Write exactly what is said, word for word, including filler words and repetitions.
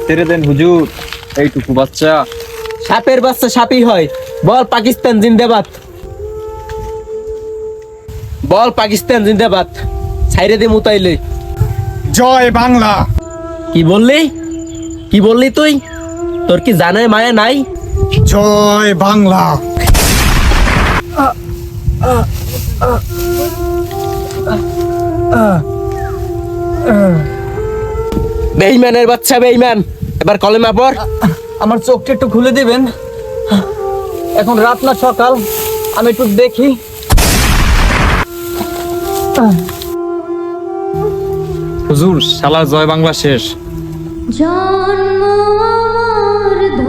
ছেড়ে দেন হুজুর, এইটুকু বাচ্চা। সাপের বাচ্চা সাপই হয়। বল পাকিস্তান জিন্দাবাদ, বল পাকিস্তান জিন্দাবাদ। ছাইরে দে মুতাইলে। জয় বাংলা। কি বললি, কি বললি তুই? তোর কি জানায় মায়া নাই? জয় বাংলা। বেঈমানের বাচ্চা বেঈমান, এবার কলেমা পড়। আমার চোখটা একটু খুলে দিবেন, এখন রাত না সকাল, আমি একটু দেখি। হুজুর, শালা জয় বাংলা শেষ। জন্ম আমার